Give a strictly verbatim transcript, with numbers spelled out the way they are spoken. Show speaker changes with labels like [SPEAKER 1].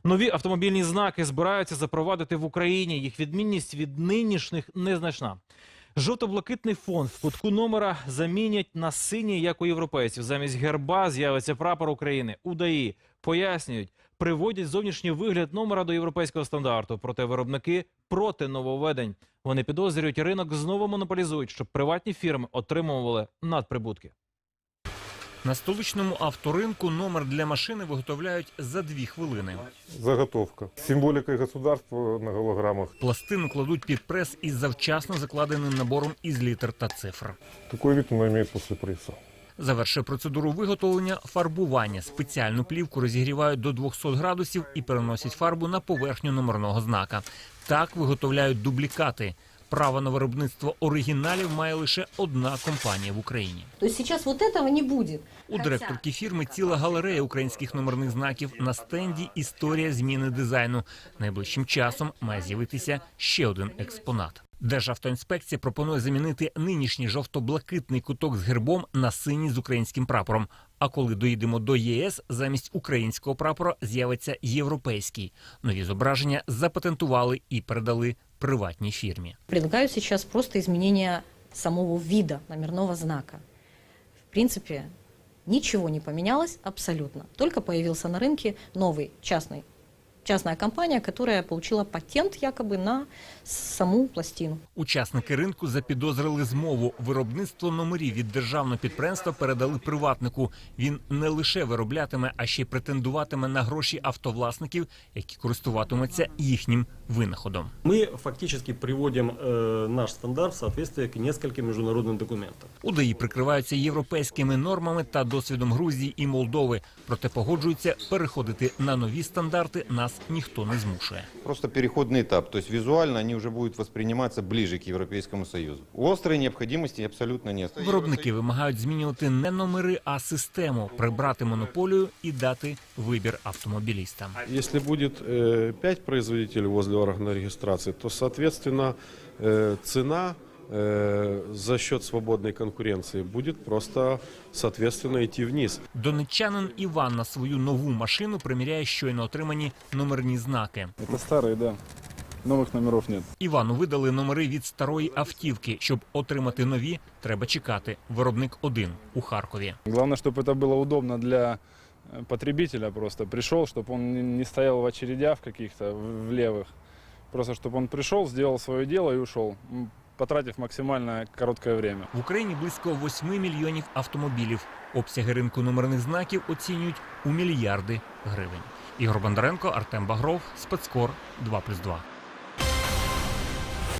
[SPEAKER 1] Нові автомобільні знаки збираються запровадити в Україні. Їх відмінність від нинішніх незначна. Жовто-блакитний фон в кутку номера замінять на синій, як у європейців. Замість герба з'явиться прапор України. У ДАІ пояснюють, приводять зовнішній вигляд номера до європейського стандарту. Проте виробники проти нововведень. Вони підозрюють, ринок знову монополізують, щоб приватні фірми отримували надприбутки.
[SPEAKER 2] На столичному авторинку номер для машини виготовляють за дві хвилини.
[SPEAKER 3] Заготовка. С символикой государства на голограммах.
[SPEAKER 2] Пластину кладуть під прес із завчасно закладеним набором із літер та цифр.
[SPEAKER 3] Такой вид он имеет после пресса.
[SPEAKER 2] Завершує процедуру виготовлення фарбування. Спеціальну плівку розігрівають до двохсот градусів і переносять фарбу на поверхню номерного знака. Так виготовляють дублікати. Право на виробництво оригіналів має лише одна компанія в Україні.
[SPEAKER 4] Тобто зараз вот этого не буде.
[SPEAKER 2] У директорки фірми ціла галерея українських номерних знаків. На стенді історія зміни дизайну. Найближчим часом має з'явитися ще один експонат. Державтоінспекція пропонує замінити нинішній жовто-блакитний куток з гербом на синій з українським прапором. А коли доїдемо до ЄС, замість українського прапора з'явиться європейський. Нові зображення запатентували і передали приватній фірмі.
[SPEAKER 4] Предлагаю сейчас просто изменение самого вида номерного знака. В принципе, ничего не поменялось абсолютно. Только появился на рынке новый частный, частная компания, которая получила патент якобы на саму пластину.
[SPEAKER 2] Учасники ринку запідозрили змову. Виробництво номерів від державного підприємства передали приватнику. Він не лише вироблятиме, а ще й претендуватиме на гроші автовласників, які користуватимуться їхнім винаходом.
[SPEAKER 5] Мы фактически приводим э, наш стандарт в соответствие к нескольким международным документам.
[SPEAKER 2] У ДАІ прикриваються європейськими нормами та досвідом Грузії і Молдови. Проте погоджуються, переходити на нові стандарти нас ніхто не змушує.
[SPEAKER 6] Просто переходный этап, то есть визуально они уже будут восприниматься ближе к Европейскому Союзу. Острой необходимости абсолютно нет.
[SPEAKER 2] Виробники вимагають змінювати не номери, а систему, прибрати монополію і дати вибір автомобілістам.
[SPEAKER 7] Если будет э, пять производителей возле органа регистрации, то, соответственно, э, цена э, за счет свободной конкуренции будет просто, соответственно, идти вниз.
[SPEAKER 2] Донеччанин Іван на свою нову машину приміряє щойно отримані номерні знаки.
[SPEAKER 8] Это старые, да. Новых номеров нет.
[SPEAKER 2] Івану видали номери від старої автівки. Щоб отримати нові, треба чекати. Виробник один у Харкові.
[SPEAKER 8] Главное, чтобы это было удобно для потребителя просто. Пришел, чтобы он не стоял в очередях каких-то, в левых. Просто, чтобы он пришел, сделал свое дело и ушел, потратив максимально короткое время.
[SPEAKER 2] В Україні близько восьми мільйонів автомобілів. Обсяги ринку номерних знаків оцінюють у мільярди гривень. Ігор Бондаренко, Артем Багров, Спецкор, два плюс два.